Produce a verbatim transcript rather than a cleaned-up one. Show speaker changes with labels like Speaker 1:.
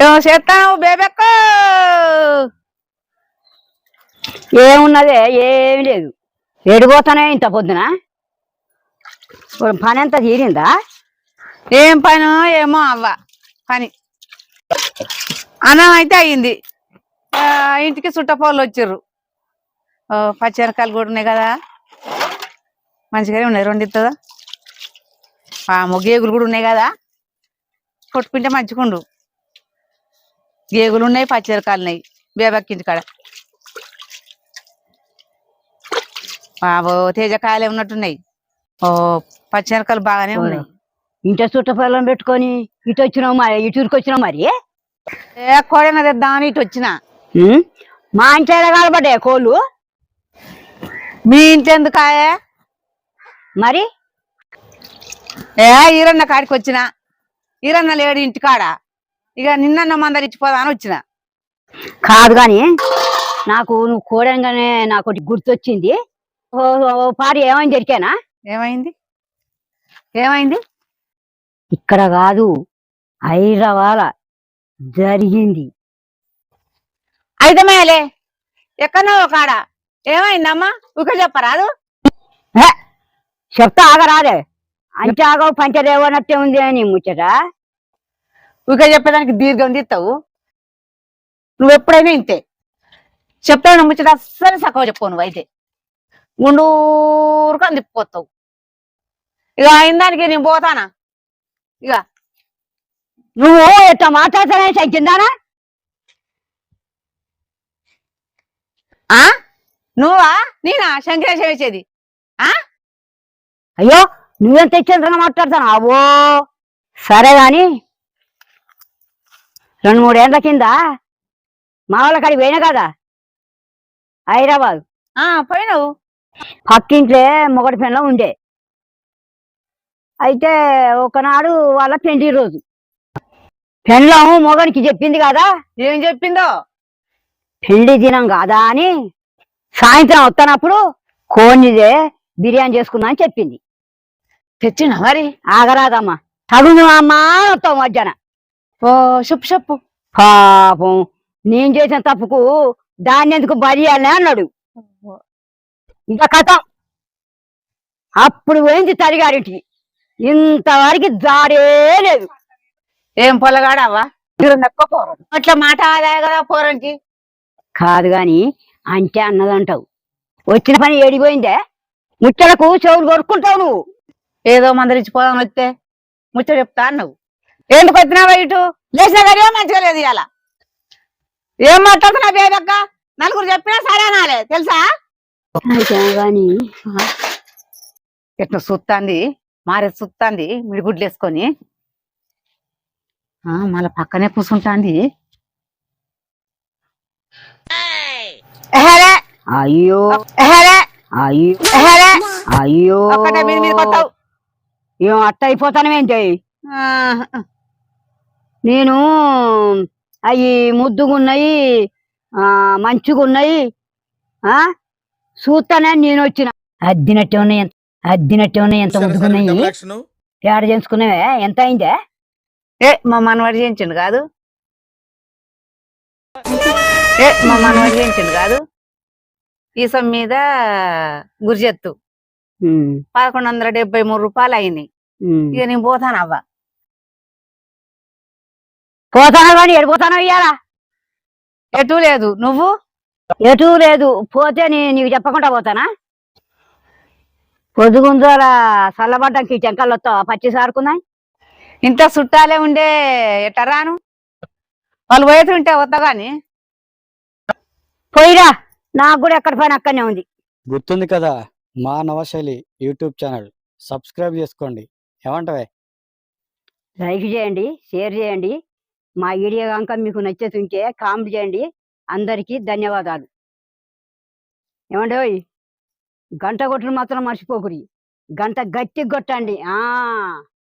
Speaker 1: ఏమో చేస్తావు బేబెక్క?
Speaker 2: ఏమున్నదే ఏమి లేదు. ఎడిపోతానే ఇంత పొద్దున పని అంతా తీరిందా?
Speaker 1: ఏం పని ఏమో అవ్వ పని. అన్నం అయితే అయ్యింది. ఇంటికి చుట్టపోళ్ళు వచ్చిర్రు. పచ్చిమిరకాయలు కూడా ఉన్నాయి కదా, మంచిగానే ఉన్నాయి. రెండు ఇస్తుందా? గేగులు కూడా ఉన్నాయి కదా, కొట్టుకుంటే మంచిగుండు. గేగులు ఉన్నాయి, పచ్చిమిరకాయలు ఉన్నాయి బేబక్కి ఇంటి కాడ. బాబో తేజకాయలే ఉన్నట్టున్నాయి. ఓ పచ్చిమిరకాయలు బాగానే ఉన్నాయి.
Speaker 2: ఇంట చుట్టపల్లం పెట్టుకొని ఇటు వచ్చినావు మరి, ఇటురికి వచ్చినావు మరి.
Speaker 1: ఏ కోడైనా తెద్దామని ఇటు వచ్చిన.
Speaker 2: మా ఇంట్లో కాలబడ్డాయి కోళ్ళు.
Speaker 1: మీ ఇంట్లో ఎందుకాయే
Speaker 2: మరి?
Speaker 1: ఏ ఈరన్న కాడికి వచ్చిన. ఈరన్న లేడు ఇంటికాడ. ఇక నిన్న మందరి ఇచ్చిపోదా అని వచ్చిన.
Speaker 2: కాదు కాని నాకు నువ్వు కోడంగానే నాకు ఒకటి గుర్తొచ్చింది. పారి ఏమైంది ఎరికేనా?
Speaker 1: ఏమైంది ఏమైంది?
Speaker 2: ఇక్కడ కాదు, హైదరాబాద్ జరిగింది.
Speaker 1: అయితే మేలే ఎక్కడో కాడ ఏమైందమ్మా? ఉక చెప్పరాదు?
Speaker 2: చెప్తా ఆగరాదే. అంటే ఆగవు పంచదేవనట్టే ఉంది అని ముచ్చట.
Speaker 1: ఉక చెప్పేదానికి దీర్ఘం తీస్తావు నువ్వు. ఎప్పుడైనా ఇంతే చెప్తావు ముచ్చట. అస్సలు సక్కవ చెప్పు నువ్వు. అయితే గుండూరుకని తిప్పిపోతావు. ఇక అయిన దానికి నేను పోతానా? ఇక
Speaker 2: నువ్వు ఎట్లా మాట్లాడతానే తగ్గిందానా?
Speaker 1: ఆ నువ్వా నేనా శంకరేశం వేసేది? ఆ
Speaker 2: అయ్యో నువ్వెంత తెచ్చేంతగా మాట్లాడతాను. అవో సరే గాని రెండు మూడేళ్ల కింద మా వాళ్ళ కాడికి పోయినా కదా హైదరాబాద్.
Speaker 1: ఆ పోయినావు.
Speaker 2: పక్కింట్లే మొగటి పెళ్ళం ఉండే. అయితే ఒకనాడు వాళ్ళ పెండి రోజు పెళ్ళం మొగనికి చెప్పింది కదా.
Speaker 1: ఏం చెప్పిందో?
Speaker 2: పెళ్లి దినం కాదా అని సాయంత్రం వస్తున్నప్పుడు కోడిదే బిర్యానీ చేసుకుందా అని చెప్పింది.
Speaker 1: తెచ్చినా మరి?
Speaker 2: ఆగరాదమ్మా, తగును అమ్మా వస్తావు మధ్యాహ్నం.
Speaker 1: ఓ చెప్పు చెప్పు.
Speaker 2: పాపం నేను చేసిన తప్పుకు దాన్ని ఎందుకు బరియాలే అన్నాడు. ఇంకా కథ అప్పుడు పోయింది తరిగారింటికి. ఇంతవరకు జాడే లేదు.
Speaker 1: ఏం పొలగాడావా? అట్లా మాట ఆదాయ కదా పోరంకి.
Speaker 2: కాదు గాని అంటే అన్నదంటావు. వచ్చిన పని ఏడిపోయిందే? ముచ్చలకు చెవులు కొరుక్కుంటావు నువ్వు.
Speaker 1: ఏదో మందరిచ్చిపోదాం వస్తే ముచ్చట చెప్తా అన్నావు. ఎందుకు వచ్చినావా ఇటు? లేచినా కానీ ఏం మంచిగా లేదు. ఇవాళ ఏం మాట్లాడుతున్నా బేబక్క? నలుగురు చెప్పినా సరే అనాలే తెలుసా?
Speaker 2: గాని
Speaker 1: ఎట్లా సుత్తాంది, మారే సుత్తాంది మిడిగుడ్లు వేసుకొని. మళ్ళా పక్కనే కూర్చుంటాంది.
Speaker 2: అయ్యో అయ్యో అయ్యో ఏం అట్ట అయిపోతానమేంటి? నేను అవి ముద్దుగున్నాయి, ఆ మంచిగున్నాయి ఆ చూస్తానే నేను వచ్చిన. అద్దినట్టే ఉన్నాయి, అద్దినట్టే ఉన్నాయి. ఎంత ముద్దుగున్నాయి. పేడ చేసుకున్నావే ఎంత అయిందే?
Speaker 1: ఏ మా మనవాడు చేయించండు కాదు. ఏ మా మనవాడు చేయించండు కాదు. ఈసం మీద గురిజెత్తు పదకొండు వందల డెబ్బై మూడు రూపాయలు అయినాయి. ఇక నేను పోతాను అవ్వ.
Speaker 2: పోతానా కానీ ఎడిపోతానో ఇయ్యాలా?
Speaker 1: ఎటు లేదు. నువ్వు?
Speaker 2: ఎటు లేదు. పోతే నీకు చెప్పకుండా పోతానా? పొద్దుగుంజాల చల్లబడ్డానికి చెంకలు వస్తావా? పచ్చి సారుకున్నాయి.
Speaker 1: ఇంత చుట్టాలే ఉండే ఎట్ట రాను? వాళ్ళు పోయేది ఉంటే వస్తా గాని.
Speaker 2: పోయిరా, నాకు కూడా ఎక్కడ పని అక్కడనే ఉంది.
Speaker 3: గుర్తుంది కదా మా నవశైలి యూట్యూబ్ ఛానల్. సబ్స్క్రైబ్ చేసుకోండి. ఏమంటావే?
Speaker 2: లైక్ చేయండి, షేర్ చేయండి. మా వీడియో కనుక మీకు నచ్చేతుంటే కామెంట్ చేయండి. అందరికీ ధన్యవాదాలు. ఏమండి, గంట కొట్టుడు మాత్రం మర్చిపోకురి. గంట గట్టి కొట్టండి. ఆ